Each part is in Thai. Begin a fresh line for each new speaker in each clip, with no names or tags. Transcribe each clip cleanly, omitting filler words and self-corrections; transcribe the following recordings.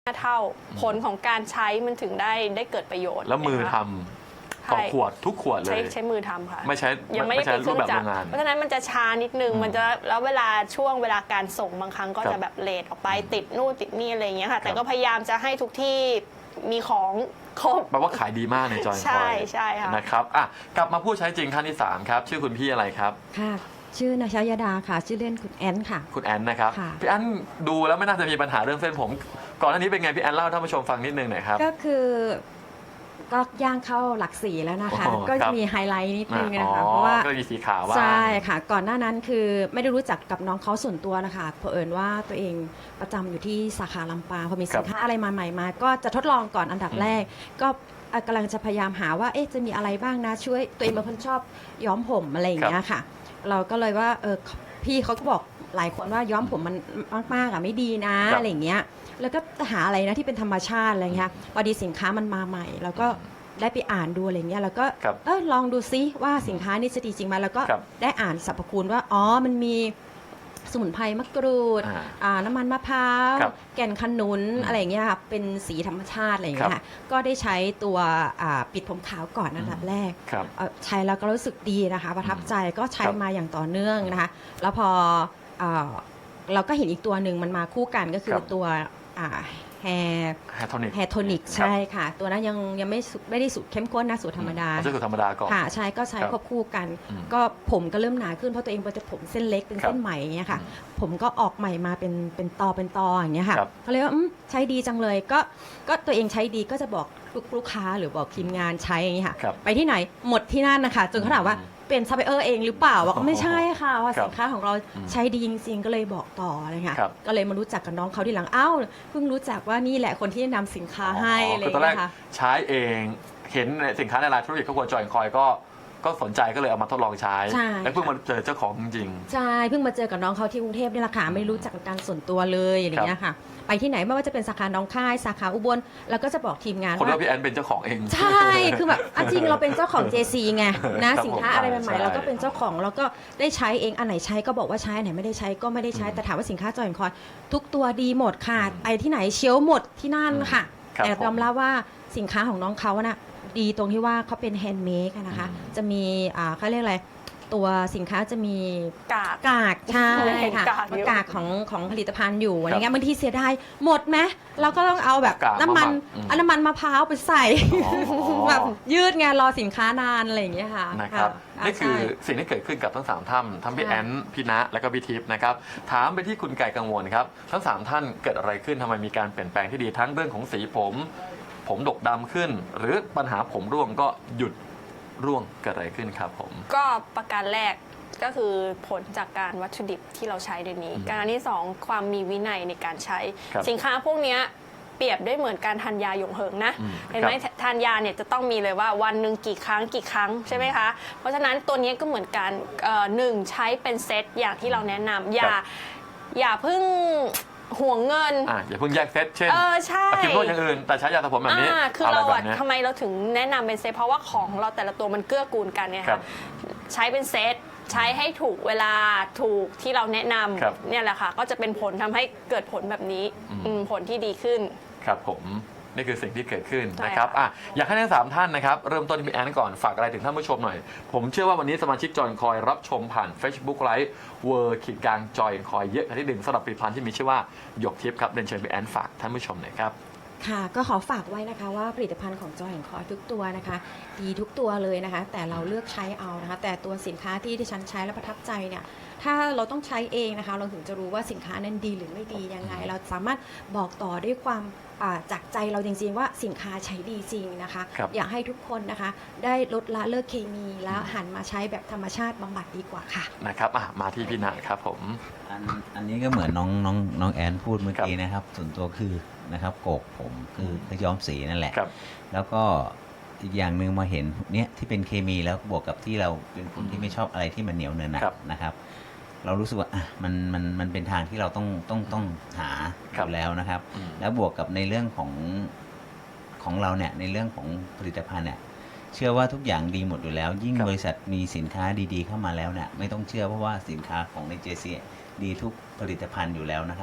เท่าผลของการใช้มันถึงได้เกิดประโยชน์
แล้วมือทำต่อขวดทุกขวดเลย
ใช้มือทำค่ะ
ไม่ใช้
ยังไม่ได้เป็นเครื่องจักรเพราะฉะนั้นมันจะช้านิดนึงมันจะแล้วเวลาการส่งบางครั้งก็จะแบบเลทออกไปติดนู่นติดนี่อะไรอย่างเงี้ยค่ะแต่ก็พยายามจะให้ทุกที่มีของครบ
แปลว่าขายดีมากในจอยคอย
ใช่ค่ะ
นะครับกลับมาผู้ใช้จริงท่านที่3ครับชื่อคุณพี่อะไรครับ
ค่ะชื่อนาชายดาค่ะชื่อเล่นคุณแอนค่ะ
คุณแอนนะครับพี่แอนดูแล้วไม่น่าจะมีปัญหาเรื่องเส้นผมก่อนหน้านี้เป็นไงพี่แอนเล่าให้ท่านผู้ชมฟังนิดนึงหน่อยครับ
ก็คือก็ย่างเข้าหลัก4แล้วนะคะก็จะมีไฮไลท์นิดนึงนะคะเพราะว่า
ก็มีสีขาวว่า
ใช่ค่ะก่อนหน้านั้นคือไม่ได้รู้จักกับน้องเขาส่วนตัวนะคะเผอิญว่าตัวเองประจำอยู่ที่สาขาลำปางพอมีสินค้าอะไรมาใหม่มาก็จะทดลองก่อนอันดับแรกก็กำลังจะพยายามหาว่าจะมีอะไรบ้างนะช่วยตัวเองเป็นคนชอบย้อมผมอะไรอย่างเงี้ยค่ะเราก็เลยว่าพี่เขาก็บอกหลายคนว่าย้อมผมมันมากๆไม่ดีนะอะไรอย่างเงี้ยแล้วก็หาอะไรนะที่เป็นธรรมชาติอะไรเงี้ยพอดีสินค้ามันมาใหม่แล้วก็ได้ไปอ่านดูอะไรเงี้ยแล้วก็ลองดูซิว่าสินค้านี้จะดีจริงไหมแล้วก็ได้อ่านสรรพคุณว่ามันมีสมุนไพรมะกรูดน้ำมันมะพร้าวแก่นขนุนอะไรอย่างเงี้ยค่ะเป็นสีธรรมชาติอะไรอย่างเงี้ยก็ได้ใช้ตัวปิดผมขาวก่อนอันดับแรกใช้แล้วก็รู้สึกดีนะคะประทับใจก็ใช้มาอย่างต่อเนื่องนะคะแล้วพอเราก็เห็นอีกตัวหนึ่งมันมาคู่กันก็คือตัวแฮร์โทนิกใช่ค่ะตัวนั้นยังไม่ได้สูตรเข้มข้นนะสูตรธรรมดา
ใช้สูตรธรรมดาก่อน
ค่ะใช่ก็ใช้ควบคู่กันก็ผมก็เริ่มหนาขึ้นเพราะตัวเองเป็นผมเส้นเล็กเป็นเส้นไหมเนี่ยค่ะผมก็ออกใหม่มาเป็นตออย่างเงี้ยค่ะเขาเลยว่าใช้ดีจังเลยก็ตัวเองใช้ดีก็จะบอกลูกค้าหรือบอกทีมงานใช้อย่างเงี้ยค่ะไปที่ไหนหมดที่นั่นนะคะจนเขาถามว่าเป็นซัพพลายเออร์เองหรือเปล่าว่าไม่ใช่ค่ะว่าสินค้าของเราใช้ดีจริงๆก็เลยบอกต่อเลยค่ะก็เลยมารู้จักกับน้องเขาทีหลังเพิ่งรู้จักว่านี่แหละคนที่นำสินค้าให้อะไรอย่างเงี้ยค่ะ
ใช้เองเห็นสินค้าในรายธุรกิจครอบครัวจอยคอยก็สนใจก็เลยเอามาทดลองใช้แล้วเพิ่งมาเจอเจ้าของจริง
ใช่เพิ่งมาเจอกับน้องเขาที่กรุงเทพนี่แหละค่ะไม่รู้จักกันส่วนตัวเลยอะไรอย่างเงี้ยค่ะไปที่ไหนไม่ว่าจะเป็นสาขาน้องค่ายสาขาอุบลแล้วก็จะบอกทีมงาน
ว่าพี่แอนเป็นเจ้าของเอง
ใช่คือแบบจริงเราเป็นเจ้าของ JC ไงนะสินค้าอะไรใหม่ๆเราก็เป็นเจ้าของแล้วก็ได้ใช้เองอันไหนใช้ก็บอกว่าใช้อันไหนไม่ได้ใช้ก็ไม่ได้ใช้แต่ถามว่าสินค้าจอยคอยทุกตัวดีหมดค่ะไปที่ไหนเชียวหมดที่นั่นค่ะแต่ยอมรับว่าสินค้าของน้องเขาน่ะดีตรงที่ว่าเขาเป็นแฮนด์เมดนะคะจะมีเขาเรียกอะไรตัวสินค้าจะมีกากใช่ค่ะกากของผลิตภัณฑ์อยู่อะไรเงี้ยบางทีเสียดายหมดไหมเราก็ต้องเอาแบบน้ำมันมะพร้าวไปใส่แบบยืดไงรอสินค้านานอะไรอย่างเงี้ยค่ะ
นะครับนี่คือสิ่งที่เกิดขึ้นกับทั้ง3ท่านทั้งพี่แอนพี่ณและก็พี่ทิพย์นะครับถามไปที่คุณไก่กังวลครับทั้ง3ท่านเกิดอะไรขึ้นทำไมมีการเปลี่ยนแปลงที่ดีทั้งเรื่องของสีผมดกดำขึ้นหรือปัญหาผมร่วงก็หยุดร่วงเกิดอะไรขึ้นครับผม
ก็ประการแรกก็คือผลจากการวัตถุดิบที่เราใช้เดี๋ยวนี้การที่2ความมีวินัยในการใช้สินค้าพวกนี้เปรียบได้เหมือนการทานยาหยงเหิงนะเห็นไหมทานยาเนี่ยจะต้องมีเลยว่าวันหนึ่งกี่ครั้งใช่ไหมคะเพราะฉะนั้นตัวนี้ก็เหมือนกัน1ใช้เป็นเซตอย่างที่เราแนะนำอย่าเพิ่งห่วงเงิน
อย่าเพิ่งแยกเซตเช่น
ใช่
กินโรคอย่างอื่นแต่ใช้ยาสระผมแบบนี้
คือเราทำไมเราถึงแนะนำเป็นเซตเพราะว่าของเราแต่ละตัวมันเกื้อกูลกันเนี่ยค่ะใช้เป็นเซตใช้ให้ถูกเวลาถูกที่เราแนะนำเนี่ยแหละค่ะก็จะเป็นผลทำให้เกิดผลแบบนี้ผลที่ดีขึ้น
ครับผมนี่คือสิ่งที่เกิดขึ้นนะครับอยากให้ทั้ง3ท่านนะครับเริ่มต้นที่พี่แอนก่อนฝากอะไรถึงท่านผู้ชมหน่อยผมเชื่อว่าวันนี้สมาชิกจอยคอยรับชมผ่าน Facebook Live จอยคอยเยอะกันที่1สำหรับผลิตภัณฑ์ที่มีชื่อว่าหยกทิพย์ครับเรียนเชิญพี่แอนฝากท่านผู้ชมหน่อยครับ
ค่ะก็ขอฝากไว้นะคะว่าผลิตภัณฑ์ของจอยคอยทุกตัวนะคะดีทุกตัวเลยนะคะแต่เราเลือกใช้เอานะคะแต่ตัวสินค้าที่ดิฉันใช้และประทับใจเนี่ยถ้าเราต้องใช้เองนะคะเราถึงจะรู้ว่าสินค้านั้นดีหรือไม่ดียังไงเราสามารถบอกต่อด้วยความจากใจเราจริงๆว่าสินค้าใช้ดีจริงนะคะอยากให้ทุกคนนะคะได้ลดละเลิกเคมีแล้วหันมาใช้แบบธรรมชาติบำบัดดีกว่าค่ะ
นะครับมาที่พี่ณครับผม
อันนี้ก็เหมือนน้องแอนพูดเมื่อกี้นะครับส่วนตัวคือนะครับโกกผมคือย้อมสีนั่นแหละแล้วก็อีกอย่างหนึ่งมาเห็นเนี้ยที่เป็นเคมีแล้วบวกกับที่เราเป็นคนที่ไม่ชอบอะไรที่มันเหนียวเนินนะครับเรารู้สึกว่ามันเป็นทางที่เราต้องหาอยู่แล้วนะครับแล้วบวกกับในเรื่องของเราเนี่ยในเรื่องของผลิตภัณฑ์เนี่ยเชื่อว่าทุกอย่างดีหมดอยู่แล้วยิ่งบริษัทมีสินค้าดีๆเข้ามาแล้วเนี่ยไม่ต้องเชื่อเพราะว่าสินค้าของใน JC ดีทุกผลิตภัณฑ์อยู่แล้วนะครับ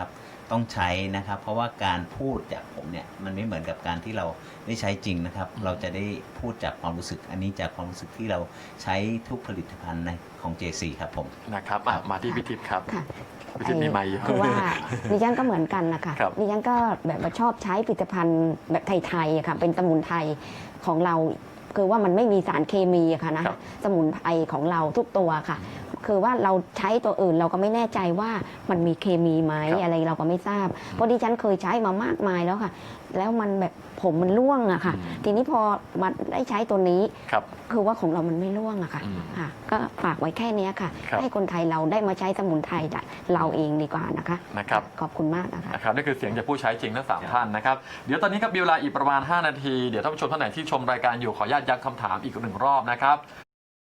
ต้องใช้นะครับ เพราะว่าการพูดจากผมเนี่ยมันไม่เหมือนกับการที่เราได้ใช้จริงนะครับ เราจะได้พูดจากความรู้สึกอันนี้จากความรู้สึกที่เราใช้ทุกผลิตภัณฑ์ในของ JC ครับผม
นะครับมาที่พี่ทิพย์ครับ
ค่ะ
พี่ทิพย์มีไมค์อยู่
คือว่าดิฉันก็เหมือนกันนะคะ
ครับ
ดิฉันก็แบบว่าชอบใช้ผลิตภัณฑ์แบบไทยๆอะค่ะเป็นสมุนไพรของเรา คือว่ามันไม่มีสารเคมีอะค่ะนะครับ สมุนไพรของเราทุกตัวค่ะ คือว่าเราใช้ตัวอื่นเราก็ไม่แน่ใจว่ามันมีเคมีไหม
ครับ
อะไรเราก็ไม่ทราบ เพราะดิฉันเคยใช้มามากมายแล้วค่ะ แล้วมันแบบผมมันร่วงอะค่ะ ทีนี้พอมาได้ใช้ตัวนี้
ครับ
คือว่าของเรามันไม่ร่วงอะค่ะ
อืม
ค่ะ ก็ฝากไว้แค่เนี้ยค่ะ
ครับ
ให้คนไทยเราได้มาใช้สมุนไพรเราเองดีกว่านะคะ
นะครับ
ขอบคุณมากนะคะ
นะครับนี่คือเสียงจากผู้ใช้จริงทั้ง3ท่านนะครับเดี๋ยวตอนนี้ครับมีเวลาอีกประมาณ5 นาทีเดี๋ยวท่านผู้ชมท่านไหนที่ชมรายการอยู่ขออนุญาตย้ำคำถามอีก1 รอบนะครับ